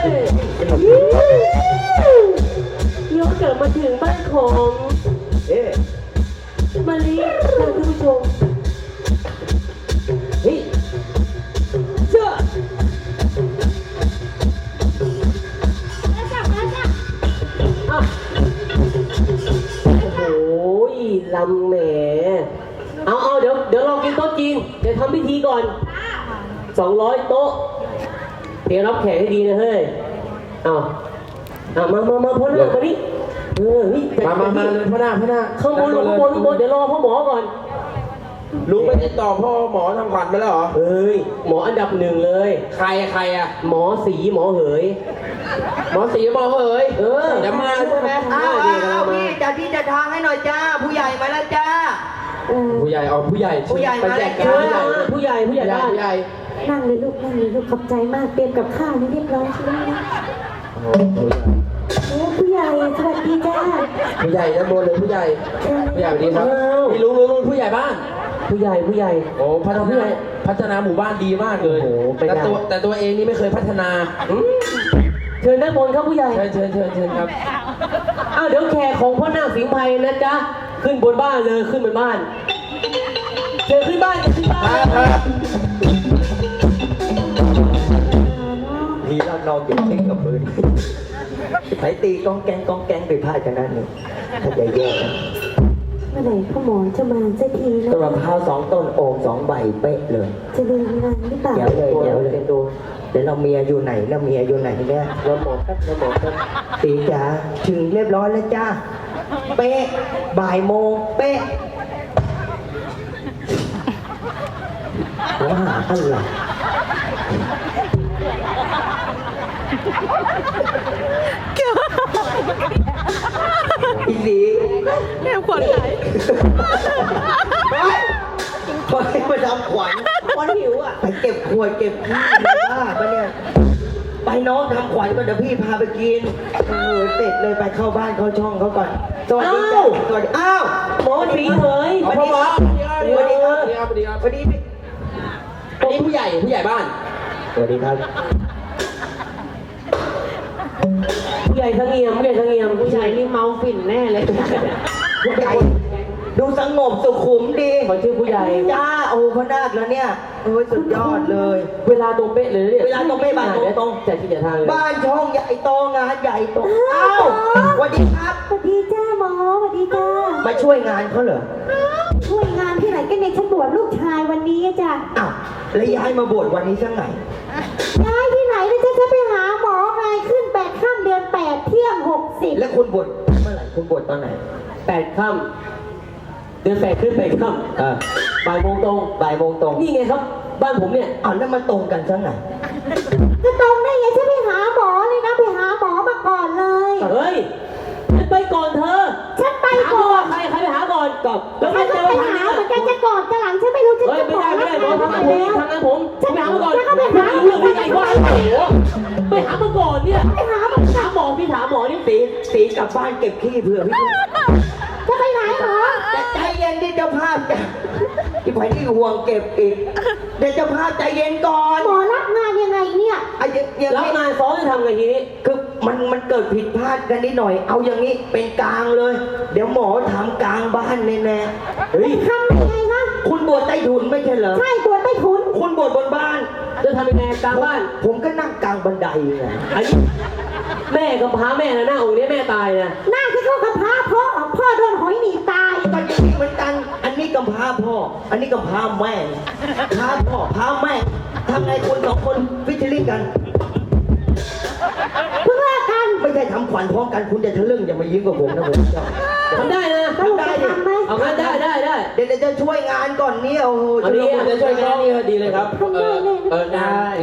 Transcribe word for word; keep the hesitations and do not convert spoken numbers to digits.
ยกเกิดมาถึงบ้านของเอ๊ะมาลีท่านผู้ชมเฮ้ยเจ้าโอ้โหลำแหมเอาเอาเดี๋ยวเดี๋ยวเรากินโต๊ะจีนเดี๋ยวทำพิธีก่อนสองร้อยโต๊ะเตรียมรับแขกให้ดีนะเฮ้ยเอาเอามามามาพ่อหน้ามาดิเออนี่มามามาเลยพ่อหน้าพ่อหน้าข้างบนข้างบนข้างบนเดี๋ยวรอพ่อหมอก่อนลุงไปติดต่อพ่อหมอทำขวัญไปแล้วเหรอเฮ้ยหมออันดับหนึ่งเลยใครใครอะหมอสีหมอเหยหมอสีหมอเหยเออจะมาใช่ไหมอ้าวอ้าวพี่จัดที่จัดทางให้หน่อยจ้าผู้ใหญ่มาแล้วจ้าผู้ใหญ่เอาผู้ใหญ่ผู้ใหญ่มาแล้วผู้ใหญ่ผู้ใหญ่บ้านผู้ใหญ่นั่งเลยลูกนั่งเลยลูกขอบใจมากเตรียมกับข้าวนี่เรียบร้อยใช่ไหมนะโอ้ผู้ใหญ่สวัสดีจ้าผู้ใหญ่ด้านบนเลยผู้ใหญ่ผู้ใหญ่สวัสดีครับพี่ลุงลุงลุงผู้ใหญ่บ้านผู้ใหญ่ผู้ใหญ่โอ้พัฒนาพัฒนาหมู่บ้านดีมากเลยแต่ตัวแต่ตัวเองนี่ไม่เคยพัฒนาเชิญด้านบนครับผู้ใหญ่เชิญเชิญเชิญเชิญครับอ้าวเดี๋ยวแขกของพ่อหน้าสิงห์ไพนะจ๊ะขึ้นบนบ้านเลยขึ้นบนบ้านเชิญขึ้นบ้านขึ้นบ้านพี่เรานอนเก็บเองกับมือไปตีกองแกงกองแกงไปพลาดกันนั่นหนึ่งถ้าใจแย่เมื่อไหร่พ่อหมอจะมาสักทีนะต้นมะพร้าวสองต้นโอ่งสองใบเป๊ะเลยจะเดินงานหรือเปล่าเดี๋ยวเลยเดี๋ยวเลยดูเดี๋ยวเราเมียอยู่ไหนเราเมียอยู่ไหนเนี่ยเราหมอครับเราหมอครับตีจ๋าถึงเรียบร้อยแล้วจ้าเป๊ะบ่ายโมงเป๊ะหัวหาอะไรอีสีแม่ขวัญไหนไปไปทำขวัญขวัญหิวอ่ะไปเก็บขวดเก็บขี้บ้าปะเนี่ยไปน้องทำขวัญก่อนเดี๋ยวพี่พาไปกินเออเสร็จเลยไปเข้าบ้านเข้าช่องเขาก่อนสวัสดีจ้าสวัสดีอ้าวหมอสีเหยสวัสดีครับสวัสดีครับสวัสดีครับสวัสดีอันนี้ผู้ใหญ่ผู้ใหญ่บ้านสวัสดีครับผู้ใหญ่ทั้งเงียมผู้ใหญ่ทั้งเงียมผู้ใหญ่นี่เมาฝิ่นแน่เลยผู้ใหญ่ดูสงบสุขุมดีขอชื่อผู้ใหญ่จ้าโอ้พนาคแล้วเนี่ยโอ้ยสุดยอดเลยเวลาตรงเป๊ะเลยเนี่ยเวลาตรงเป๊ะบ้านตรงแต่ที่จะทางเลยบ้านช่องใหญ่โตงานใหญ่โตอ้าวสวัสดีครับสวัสดีจ้าหมอสวัสดีจ้ามาช่วยงานเขาเหรอช่วยงานที่ไหนกันเนี่ยฉันบวชลูกชายวันนี้จ้ะอ้าวแล้วย้ายมาบวชวันนี้สักไหนย้ายที่ไหนแล้วฉันจะไปหาหมอไงขึ้นแปดค่ำเดือนแปดเที่ยงหกสิบแล้วคุณบวชเมื่อไหร่คุณบวชตอนไหนแปดค่ำเดือนแปดขึ้นแปดค่ำอ่าบ่ายโมงตรงบ่ายโมงตรงนี่ไงครับบ้านผมเนี่ยอ้าวแล้วมาตรงกันสักไหนจะตรงได้ไงฉันไปหาหมอเลยนะไปหาหมอมาก่อนเลยเฮ้ยฉันไปก่อนเธอฉันไปก่อนใครใครไปหาก่อนก่อนแล้วฉันก็ไปหาเหมือนกันจะก่อนจะหลังฉันไม่รู้ฉันจะบอกไม่ได้ไม่ได้หมอทำงานผมทำงานผมฉันไปหามาก่อนฉันก็ไปหาเรื่องไม่ใหญ่กว่าโอ้โหไปหามาก่อนเนี่ยไปหามาถามหมอพี่ถามหมอนี่ตีตีกลับบ้านเก็บขี้เผื่อพี่จะไปไหนหมอแต่ใจเย็นดิเจ้าภาพจ้ะที่ไปที่ห่วงเก็บอีกเดี๋ยวเจ้าภาพใจเย็นก่อนหมอรับงานยังไงเนี่ยรับงานซ้อนจะทำไงทีนี้คือมันมันเกิดผิดพลาดกันนิดหน่อยเอาอย่างนี้เป็นกลางเลยเดี๋ยวหมอทำกลางบ้านแน่ๆเฮ้ยทำยังไงคะคุณบวชใต้ถุนไม่ใช่เหรอใช่บวชใต้ถุนคุณบวชบนบ้านจะทำยังไงกลางบ้านผมก็นั่งกลางบันไดไงอันนี้แม่กับพร้าแม่นะหน้าองค์นี้แม่ตายนะหน้าที่เขากับพร้าพ่อพ่อโดนหอยหนีตายก็อย่างนี้เหมือนกันอันนี้กับพร้าพ่ออันนี้กับพร้าแม่พร้าพ่อพร้าแม่ทำไงคนสองคนฟิชเชอร์กันเพิ่งเลิกกันไม่ใช่ทำขวัญพร้อมกันคุณจะทะลึ่งอย่ามายิ้มกับผมนะผมทำได้นะทำได้ดิเอางั้นได้ได้ได้เดี๋ยวจะช่วยงานก่อนนี่โอ้โหจะช่วยงานนี่ดีเลยครับเออเออได้